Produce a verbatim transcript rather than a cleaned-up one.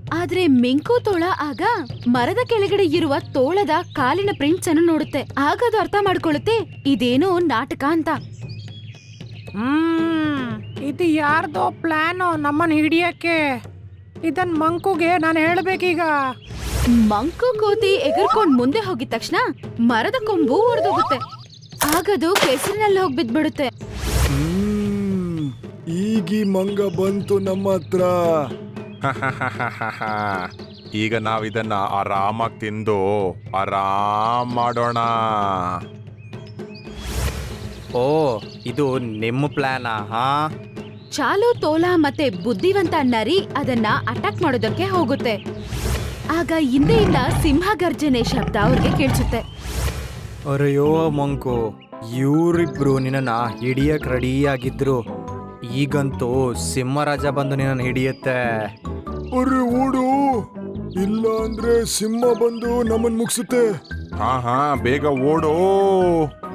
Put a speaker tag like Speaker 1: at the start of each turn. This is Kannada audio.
Speaker 1: ಆದ್ರೆ ಮಿಂಕು ತೋಳ ಆಗ ಮರದ ಕೆಳಗಡೆ ಇರುವ ತೋಳದ ಕಾಲಿನ ಪ್ರಿಂಟ್ಸ್ ಅನ್ನು ನೋಡುತ್ತೆ. ಆಗ ಅದು ಅರ್ಥ ಮಾಡ್ಕೊಳ್ಳುತ್ತೆ ಇದೇನೋ ನಾಟಕ ಅಂತ.
Speaker 2: ಹ್ಮ್ ಇದು ಯಾರ್ದೋ ಪ್ಲಾನು ನಮ್ಮನ್ನ ಹಿಡಿಯಕ್ಕೆ. ಇದನ್ ಮಂಕುಗೆ ನಾನು ಹೇಳ್ಬೇಕೀಗ.
Speaker 1: ಮಂಕು ಕೋತಿ ಎಗರ್ಕೊಂಡ್ ಮುಂದೆ ಹೋಗಿದ ತಕ್ಷಣ ಮರದ ಕೊಂಬು ಒಡೆದೋಗುತ್ತೆ. ಆಗದು ಕೆಸರಿನಲ್ಲಿ ಹೋಗಿ ಬಿದ್ಬಿಡುತ್ತೆ.
Speaker 3: ಹ್ಮ್ ಈಗಿ ಮಂಗ ಬಂತು ನಮ್ಮ ಹತ್ರ.
Speaker 4: ಈಗ ನಾವ್ ಇದನ್ನ ಆರಾಮಾಗಿ ತಿಂದು ಆರಾಮ್ ಮಾಡೋಣ.
Speaker 5: ಓ ಇದು ನಿಮ್ಮ ಪ್ಲಾನಾ? ಹಾ,
Speaker 1: ಚಾಲು, ತೋಲ ಮತ್ತೆ ಬುದ್ಧಿವಂತ ನರಿ ಅದನ್ನ ಅಟ್ಯಾಕ್ ಮಾಡೋದಕ್ಕೆ ಹೋಗುತ್ತೆ. ಆಗ ಹಿಂದೆಯಿಂದ ಸಿಂಹ ಗರ್ಜನೆ ಶಬ್ದ ಅವ್ರಿಗೆ ಕೇಳಿಸುತ್ತೆ.
Speaker 5: ಅರೆಯೋ ಮಂಕು, ಇವರಿಬ್ರು ನಿನ್ನ ಹಿಡಿಯಕ್ ರೆಡಿ ಆಗಿದ್ರು. ಈಗಂತೂ ಸಿಂಹರಾಜ ಬಂದು ನಿನ್ನ ಹಿಡಿಯುತ್ತೆ.
Speaker 3: ಅರೆ ಓಡು, ಇಲ್ಲ ಅಂದ್ರೆ ಸಿಂಹ ಬಂದು ನಮ್ಮನ್ ಮುಗಿಸುತ್ತೆ.
Speaker 4: ಹಾ ಹಾ ಬೇಗ ಓಡು.